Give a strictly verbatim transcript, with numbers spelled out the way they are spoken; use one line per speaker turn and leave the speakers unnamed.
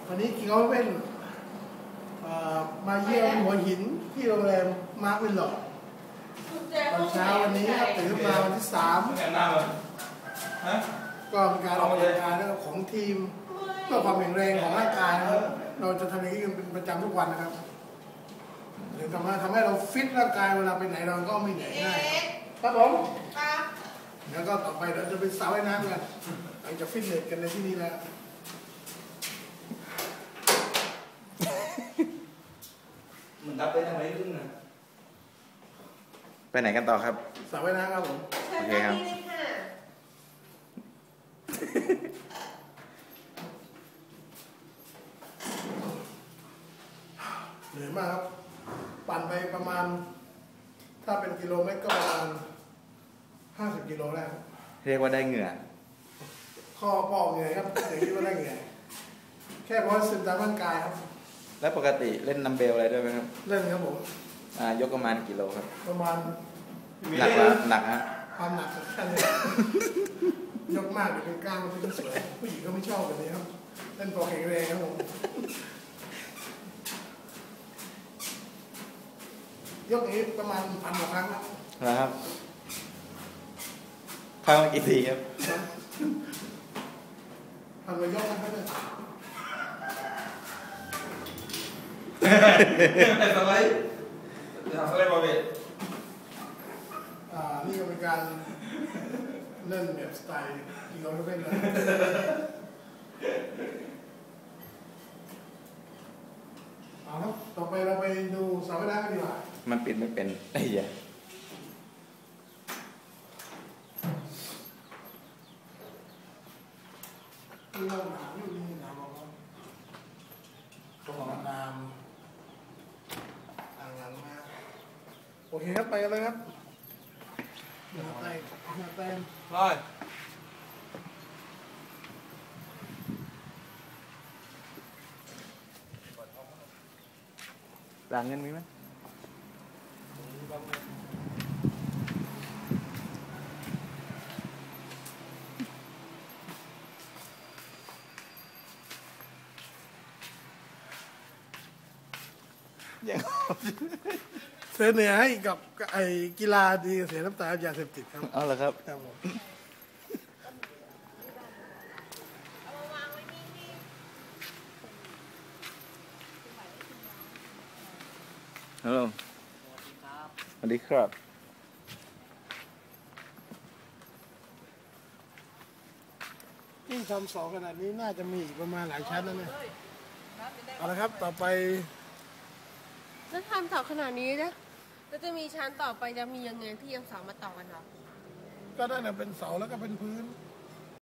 วันนี้กิงเอาเป็นมาเยี่ยมหัวหินที่โรงแรมมาร์ควิลล็อกตอนเช้าวันนี้ครับตื่นมาวันที่สามก็เป็นการออกกำลังกายของทีมเพื่อความแข็งแรงของร่างกายนะครับเราจะทำอย่างนี้กันเป็นประจำทุกวันนะครับหรือทำให้ทำให้เราฟิตร่างกายเวลาไปไหนเราก็ไม่เหนื่อยง่ายครับผมแล้วก็ต่อไปเราจะไปสระว่ายน้ำกันเราจะฟิตเนสกันในที่นี้แล้ว
มันดับไปทางไหนขึ้นนะ
ไปไหนกันต่อครับ
สระว่ายน้ำครับผม
โอเคครับ
เหนื่อยมากครับปั่นไปประมาณถ้าเป็นกิโลเมตรก็ประมาณห้าสิบกิโลได้
เรียกว่าได้เหงื่อ
ข้อปอกเหนื่อยครับอย่างที่ว่าได้เหงื่อแค่เพราะซึมตามร่างกายครับ
แล้วปกติเล่นนัมเบลอะไรด้วยไหมครับ
เล่นครับผม
อ่ายกประมาณกิโลครับ
ประมาณ
หนักละหนักฮะ
ความหนักแค่นี้ยกมากเดี๋ยวเป็นก้างมันไม่สวยผู้หญิงก็ไม่ชอบแบบนี้ครับเล่นพอแข็งแรงครับผมยกนี้ประมาณพันกว่าครั้งครับ
นะครับครั้งกี่ทีครับ
พันกว่ายกนะครับเนี่ย
ทำไรทำอะไรบอเบต
อ่านี่ก็เป็นการเล่นแบบสไตล์กินเราไม่เป็นนะเอาครับต่อไปเราไปดูสระว่ายน้ำกันดีกว่า
มันปิดไม่เป็นไอ้เหี้ย
นี่เราหนาวอยู่นี่หนาวมากต้องออกน้ำอ่างล้างมาโอเคครับไปกันเลยครับเดี๋ยวไปเดี๋ยวไป
ร้อย
หลังเงินมีไหม
อย่างเสียเหนือให้กับไอ้กีฬาดีเสียน้ำตายาเสพติดครับ
อ๋อเหรอครับ
ครับผม
ฮัลโหลสวัสดีครับ
ยิ่งทำสองขนาดนี้น่าจะมีอีกประมาณหลายชั้นแล้วเนี่ยเอาละครับต่อไป
ถ้าทำเสาขนาดนี้นะแล้วจะมีชั้นต่อไปจะมียังไงที่ยังเสามาต่อกันหรอ
ก็ได้นะเป็นเสาแล้วก็เป็นพื้น